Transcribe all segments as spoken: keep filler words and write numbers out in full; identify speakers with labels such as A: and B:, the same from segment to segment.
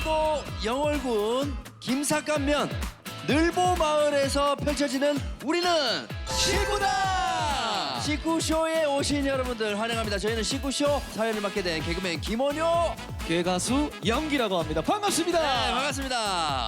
A: 경상북도 영월군 김삿간면 늘보 마을에서 펼쳐지는 우리는 식구다! 식구쇼에 오신 여러분들 환영합니다. 저희는 식구쇼 사연을 맡게 된 개그맨 김원효
B: 개가수 영기라고 합니다. 반갑습니다.
A: 네, 반갑습니다.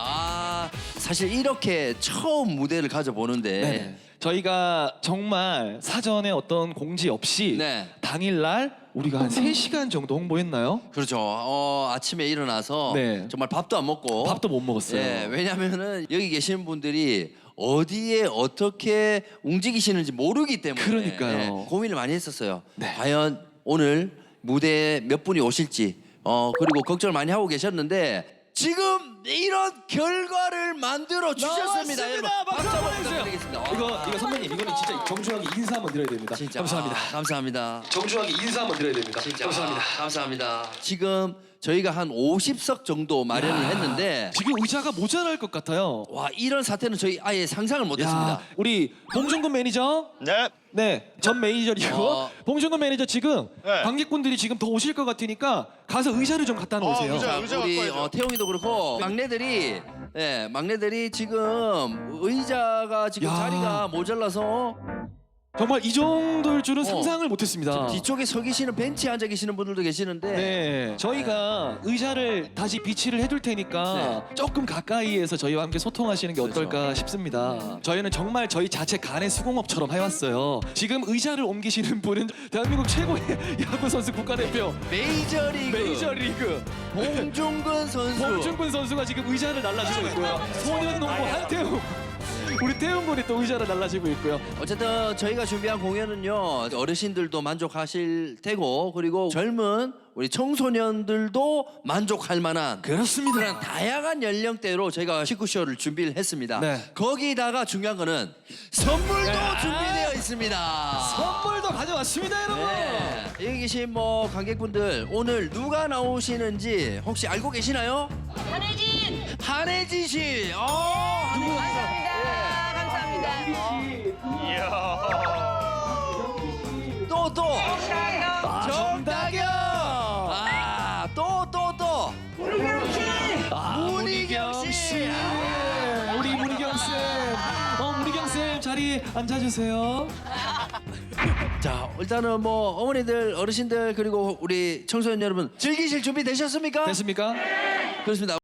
A: 아, 사실 이렇게 처음 무대를 가져보는데
B: 네. 저희가 정말 사전에 어떤 공지 없이
A: 네.
B: 당일날 우리가 한 세 시간 정도 홍보했나요?
A: 그렇죠. 어, 아침에 일어나서
B: 네.
A: 정말 밥도 안 먹고
B: 밥도 못 먹었어요.
A: 예, 왜냐면은 여기 계시는 분들이 어디에 어떻게 움직이시는지 모르기 때문에
B: 그러니까요.
A: 예, 고민을 많이 했었어요.
B: 네.
A: 과연 오늘 무대에 몇 분이 오실지 어, 그리고 걱정을 많이 하고 계셨는데 지금 이런 결과를 만들어 주셨습니다. 여러분. 박수 한번 부탁드리겠습니다.
B: 이거 이거 선배님 이거는 진짜 정중하게 인사 한번 드려야 됩니다.
A: 진짜
B: 감사합니다.
A: 아, 감사합니다.
B: 정중하게 인사 한번 드려야 됩니다.
A: 진짜
B: 감사합니다.
A: 아, 감사합니다. 지금 저희가 한 오십 석 정도 마련을
B: 야,
A: 했는데
B: 지금 의자가 모자랄 것 같아요.
A: 와, 이런 사태는 저희 아예 상상을 못했습니다.
B: 야, 우리 봉준근 매니저.
C: 네.
B: 네, 전 매니저이고
A: 어.
B: 봉준근 매니저 지금
C: 네.
B: 관객분들이 지금 더 오실 것 같으니까 가서 의자를 좀 갖다 놓으세요.
C: 어, 의자.
A: 자,
C: 의자
A: 우리
C: 갖고 와야죠.
A: 어, 태용이도 그렇고 막내들이 예, 막내들이 지금 의자가 지금
B: 야.
A: 자리가 모자라서
B: 정말 이 정도일 줄은
A: 어.
B: 상상을 못했습니다.
A: 뒤쪽에 서 계시는 벤치에 앉아 계시는 분들도 계시는데
B: 네, 저희가 의자를 다시 비치를 해둘 테니까 조금 가까이에서 저희와 함께 소통하시는 게
A: 그렇죠.
B: 어떨까 싶습니다. 저희는 정말 저희 자체 간의 수공업처럼 해왔어요. 지금 의자를 옮기시는 분은 대한민국 최고의 야구 선수 국가대표
A: 메이저리그
B: 메이저리그
A: 봉준근 선수
B: 봉준근 선수가 지금 의자를 날라주고 있고요. 소년농구 한태웅 우리 태웅 군이 또 의자를 날라주고 있고요.
A: 어쨌든 저희가 준비한 공연은요 어르신들도 만족하실 테고 그리고 젊은 우리 청소년들도 만족할 만한
B: 그렇습니다.
A: 그런 다양한 연령대로 저희가 식구쇼를 준비를 했습니다.
B: 네.
A: 거기다가 중요한 거는 선물도
B: 네.
A: 준비되어 있습니다.
B: 선물도 가져왔습니다, 여러분.
A: 네. 여기 계신 뭐 관객분들 오늘 누가 나오시는지 혹시 알고 계시나요?
D: 한혜진!
A: 한혜진 씨. 어, 누구?
D: 감사합니다. 감사합니다.
A: 또 또.
D: 감사합니다.
A: 정다경. 아, 또 또 또. 문희경 씨.
B: 아, 우리 문희경 쌤. 어, 문희경 쌤 자리 앉아주세요.
A: 자, 일단은 뭐 어머니들, 어르신들 그리고 우리 청소년 여러분 즐기실 준비 되셨습니까?
B: 됐습니까?
A: 그렇습니다.